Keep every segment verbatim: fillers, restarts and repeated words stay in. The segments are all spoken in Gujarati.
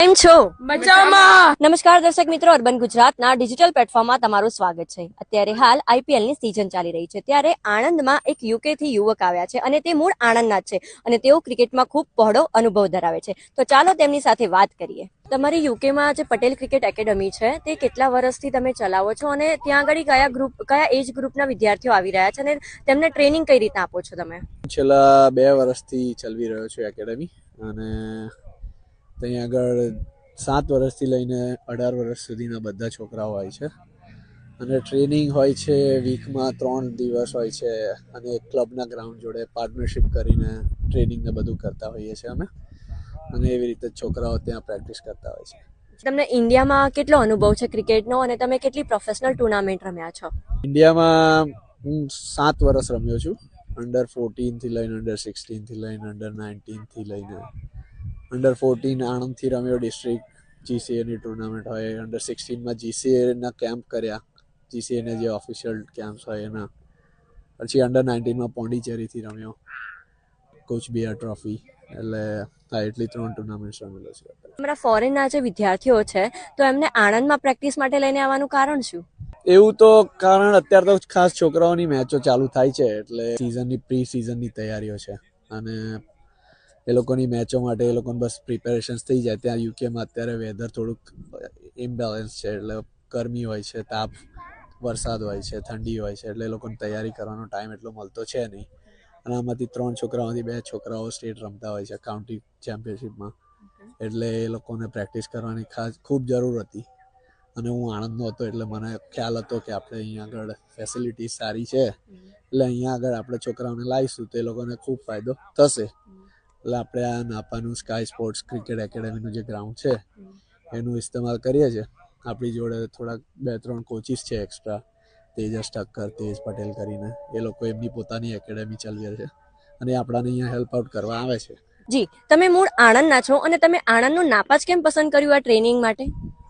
કેમ છો? મજામાં. નમસ્કાર દર્શક મિત્રો, અર્બન ગુજરાતના ડિજિટલ પ્લેટફોર્મમાં તમારું સ્વાગત છે. અત્યારે હાલ આઈપીએલ ની સીઝન ચાલી રહી છે, ત્યારે આણંદમાં એક યુકે થી યુવક આવ્યા છે અને તે મૂળ આણંદના જ છે અને તેઓ ક્રિકેટમાં ખૂબ પહોળો અનુભવ ધરાવે છે. તો ચાલો તેમની સાથે વાત કરીએ. તમારી યુકેમાં જે પટેલ ક્રિકેટ એકેડમી છે તે કેટલા વર્ષથી તમે ચલાવો છો અને ત્યાં આગળ કયા ગ્રુપ કયા એજ ગ્રુપના વિદ્યાર્થીઓ આવી રહ્યા છે અને તેમને ટ્રેનિંગ કઈ રીતના આપો છો તમે? છેલ્લા બે વર્ષથી ચલાવી રહ્યો છું એકેડમી, અને ત્યાં આગળ સાત વર્ષથી લઈને અઢાર વર્ષ સુધીના બધા છોકરાઓ હોય છે અને ટ્રેનિંગ હોય છે. વીકમાં ત્રણ દિવસ હોય છે અને ક્લબના ગ્રાઉન્ડ જોડે પાર્ટનરશિપ કરીને ટ્રેનિંગ ને બધું કરતા હોઈએ છીએ અમે, અને એવી રીતે છોકરાઓ ત્યાં પ્રેક્ટિસ કરતા હોય છે. તમને ઇન્ડિયામાં કેટલો અનુભવ છે ક્રિકેટનો અને તમે કેટલી પ્રોફેશનલ ટુર્નામેન્ટ રમ્યા છો? ઇન્ડિયામાં હું સાત વર્ષ રમ્યો છું, અંડર ફોર્ટીન થી લઈને અંડર સિક્સટીન થી લઈને અંડર નાઇન્ટીન થી લઈને અંડર ફોર્ટીન આણંદથી રમ્યો, ડિસ્ટ્રિક્ટ જીસીએની ટુર્નામેન્ટ હોય. અંડર સિક્સટીનમાં જીસીએના કેમ્પ કર્યા, જીસીએના જે ઓફિશિયલ કેમ્પ્સ હોય એના. પછી અંડર નાઇન્ટીનમાં પોંડિચેરીથી રમ્યો, કોચ બિહાર ટ્રોફી. એટલે હા, એટલી ત્રણ ટુર્નામેન્ટ રમેલો છે. તમારા ફોરેનના જે વિદ્યાર્થીઓ છે તો એમને આણંદમાં પ્રેક્ટિસ માટે લઈને આવવાનું કારણ શું? એવું તો કારણ અત્યારે તો ખાસ છોકરાઓની મેચો ચાલુ થાય છે એટલે સિઝનની પ્રી સિઝનની તૈયારીઓ છે, અને એ લોકોની મેચો માટે એ લોકોને બસ પ્રિપેરેશન્સ થઈ જાય. ત્યાં યુકેમાં અત્યારે વેધર થોડુંક ઇમ્બેલેન્સ છે, એટલે ગરમી હોય છે, તાપ, વરસાદ હોય છે, ઠંડી હોય છે, એટલે એ લોકોને તૈયારી કરવાનો ટાઈમ એટલો મળતો છે નહીં. અને આમાંથી ત્રણ છોકરાઓથી બે છોકરાઓ સ્ટેટ રમતા હોય છે કાઉન્ટી ચેમ્પિયનશિપમાં, એટલે એ લોકોને પ્રેક્ટિસ કરવાની ખાસ ખૂબ જરૂર હતી. અને હું આણંદનો હતો એટલે મને ખ્યાલ હતો કે આપણે અહીંયા આગળ ફેસિલિટી સારી છે, એટલે અહીંયા આગળ આપણે છોકરાઓને લાવીશું તો એ લોકોને ખૂબ ફાયદો થશે. એટલે આપણે આ નાપાનું સ્કાય સ્પોર્ટ્સ ક્રિકેટ એકેડમીનું જે ગ્રાઉન્ડ છે એનું ઇસ્તેમાલ કરીએ છીએ. આપણી જોડે થોડાક બે ત્રણ કોચિસ છે એક્સ્ટ્રા, તેજસ ઠક્કર, તેજ પટેલ કરીને. એ લોકો એમની પોતાની એકેડમી ચલાવે છે અને આપણાને અહીંયા હેલ્પ આઉટ કરવા આવે છે. જી, તમે મૂળ આણંદના છો અને તમે આણંદનું નાપા જ કેમ પસંદ કર્યું આ ટ્રેનિંગ માટે?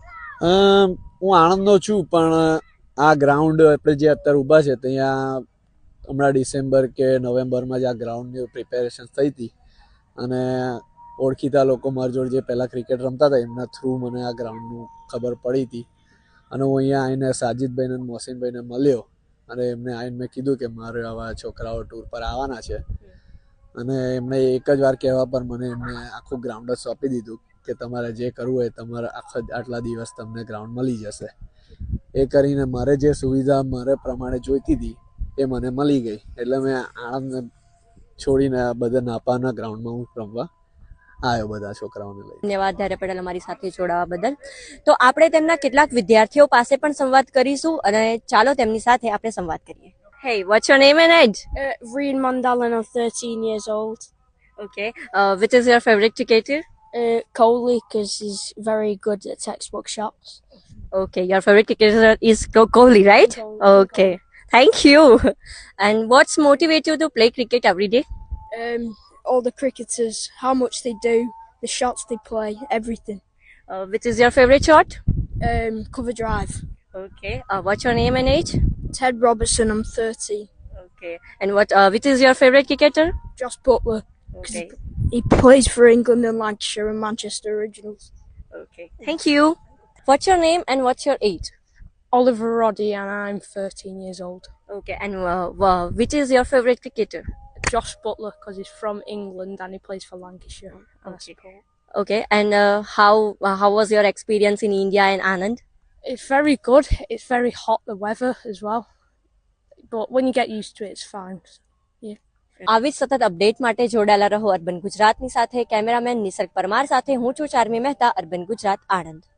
હું આણંદનો છું, પણ આ ગ્રાઉન્ડ આપણે જે અત્યારે ઊભા છે ત્યાં હમણાં ડિસેમ્બર કે નવેમ્બરમાં જ આ ગ્રાઉન્ડની પ્રિપેરેશન થઈ હતી, અને ઓળખીતા લોકો મારી જોડે જે પહેલાં ક્રિકેટ રમતા હતા એમના થ્રુ મને આ ગ્રાઉન્ડનું ખબર પડી હતી. અને હું અહીંયા આવીને સાજિદભાઈને અને મોહસિનભાઈને મળ્યો, અને એમને આવીને મેં કીધું કે મારે આવા છોકરાઓ ટૂર પર આવવાના છે, અને એમણે એક જ વાર કહેવા પર મને એમને આખું ગ્રાઉન્ડ જ સોંપી દીધું કે તમારે જે કરવું હોય તમારે આખા આટલા દિવસ તમને ગ્રાઉન્ડ મળી જશે. એ કરીને મારે જે સુવિધા મારે પ્રમાણે જોઈતી હતી એ મને મળી ગઈ, એટલે મેં આણંદ છોડીને બધા નાપાના ગ્રાઉન્ડમાં હું રમવા આવ્યો બધા છોકરાઓને લઈ. ધન્યવાદ ધારે પટેલ અમારી સાથે જોડાવા બદલ. તો આપણે તેમના કેટલાક વિદ્યાર્થીઓ પાસે પણ સંવાદ કરીશું અને ચાલો તેમની સાથે આપણે સંવાદ કરીએ. Hey, what's your name and age? Uh, Reen Mandel, and I'm thirteen years old. Okay. Uh, which is your favorite cricketer? Uh, Coley, because he's very good at textbook shots. Okay, your favorite cricketer is Co- Kohli, right? Kohli. Okay. Thank you. And what's motivate you to play cricket every day? Um, all the cricketers, how much they do, the shots they play, everything. Uh, which is your favorite shot? Um, cover drive. Okay. Uh, what's your name and age? Ted Robertson, I'm thirty. Okay. And what? Uh, which is your favorite cricketer? Josh Butler, because Okay. he, he plays for England and Lancashire and Manchester Originals. Okay. Thank you. What's your name and what's your age? Oliver Roddy, and I'm thirteen years old. Okay. And uh, uh, which is your favorite cricketer? Josh Butler, because he's from England and he plays for Lancashire. and I Okay. support. Okay. And uh, how uh, how was your experience in India and Anand? It's very good. It's very hot, the weather as well. But when you get used to it, it's fine. આવી જ સતત અપડેટ માટે જોડાયેલા રહો અર્બન ગુજરાતની સાથે. કેમેરામેન નિસર્ગ પરમાર સાથે હું છું ચાર્મી મહેતા, અર્બન ગુજરાત, આણંદ.